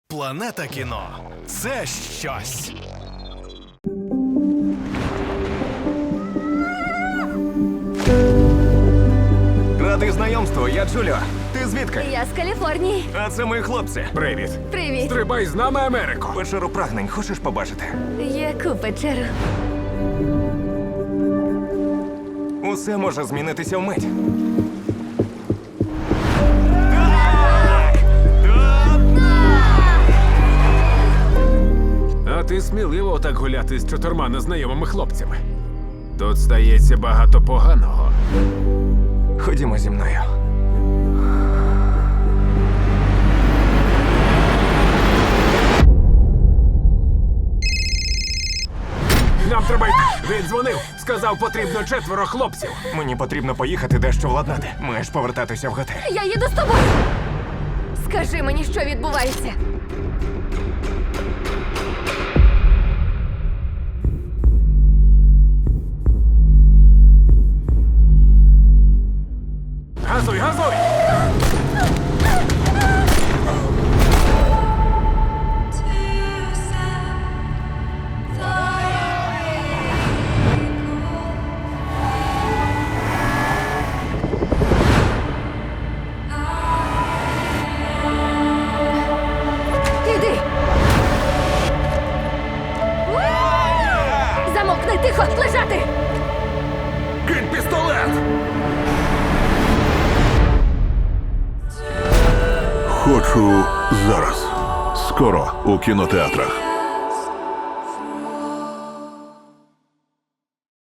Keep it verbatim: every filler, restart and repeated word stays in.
Планета кіно – це щось. Радий знайомству, я Джуліо. Ти звідки? Я з Каліфорнії. А це мої хлопці. Привіт. Привіт. Стрибай з нами, Америко! Печеру прагнень хочеш побачити? Яку печеру? Усе може змінитися вмить. А ти сміливо так гуляти з чотирма незнайомими хлопцями. Тут стається багато поганого. Ходімо зі мною. Нам треба йти. Він дзвонив, сказав, потрібно четверо хлопців. Мені потрібно поїхати дещо владнати. Маєш повертатися в готель. Я їду з тобою. Скажи мені, що відбувається. Газуй, газуй! Іди. Замовкни, тихо, лежати. Кинь пістолет! Хочу зараз. Скоро у кінотеатрах.